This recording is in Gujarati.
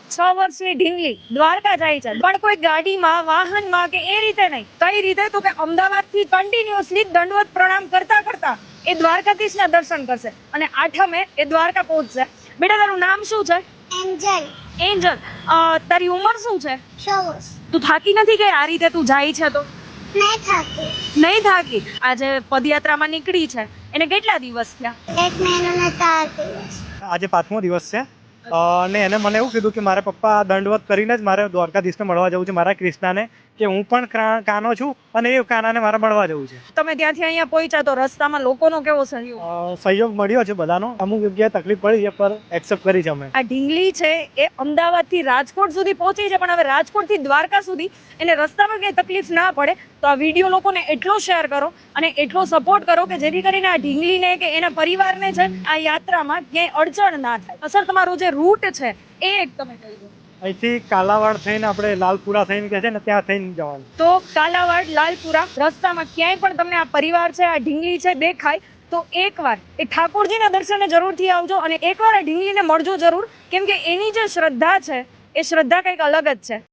6 વર્ષની ઢીંગલી દ્વારકા જાય છે, પણ કોઈ ગાડીમાં વાહનમાં કે એ રીતે નહીં. કઈ રીતે? તો કે અમદાવાદથી કન્ટિન્યુઅસલી દંડવત પ્રણામ કરતા કરતા એ દ્વારકાધીશના દર્શન કરશે અને 8મે એ દ્વારકા પહોંચશે. બેટા તારું નામ શું છે? Angel Angel. તારી ઉંમર શું છે? 24 તું થાકી નથી કે આ રીતે તું જાય છે તો? નહીં થાકી નહીં થાકી. આજે પદયાત્રામાં નીકળી છે એને કેટલા દિવસ થયા? 1 મહિનો ને 4 દિવસ આજે 5મો દિવસ છે અને એને મને એવું કીધું કે મારા પપ્પા દંડવત કરીને જ મારે દ્વારકાધીશને મળવા જવું છે, મારા કૃષ્ણાને, કે હું પણ કાનો છું અને એ કાનાને મારે મળવા જવું છે. તમે ત્યાંથી અહીંયા પહોંચ્યા તો રસ્તામાં લોકોનો કેવો સહયોગ? સહયોગ મળ્યો છે બધાનો. અમુક જગ્યાએ તકલીફ પડી છે પર એક્સેપ્ટ કરી છે અમે. આ ઢીંગલી છે એ અમદાવાદથી રાજકોટ સુધી પહોંચી છે, પણ હવે રાજકોટથી દ્વારકા સુધી એને રસ્તામાં કંઈ તકલીફ ના પડે તો આ વિડીયો લોકોને એટલો શેર કરો અને એટલો સપોર્ટ કરો કે જેથી કરીને આ ઢીંગલીને કે એના પરિવારને છે આ યાત્રામાં ક્યાંય અડચણ ના થાય. સર તમારો જે રૂટ છે એ એક તમે કહી દો. અહીંથી કાલાવાડ થઈને આપણે લાલપુરા થઈને કે છે ને ત્યાં થઈને જવાનું. તો કાલાવાડ લાલપુરા રસ્તામાં ક્યાંય પણ તમને આ પરિવાર છે આ ઢીંગલી છે દેખાય તો એકવાર એ ઠાકોરજીના દર્શને જરૂરથી આવજો અને એકવાર આ ઢીંગલીને મળજો જરૂર, કેમ કે એની જે શ્રદ્ધા છે એ શ્રદ્ધા કંઈક અલગ જ છે.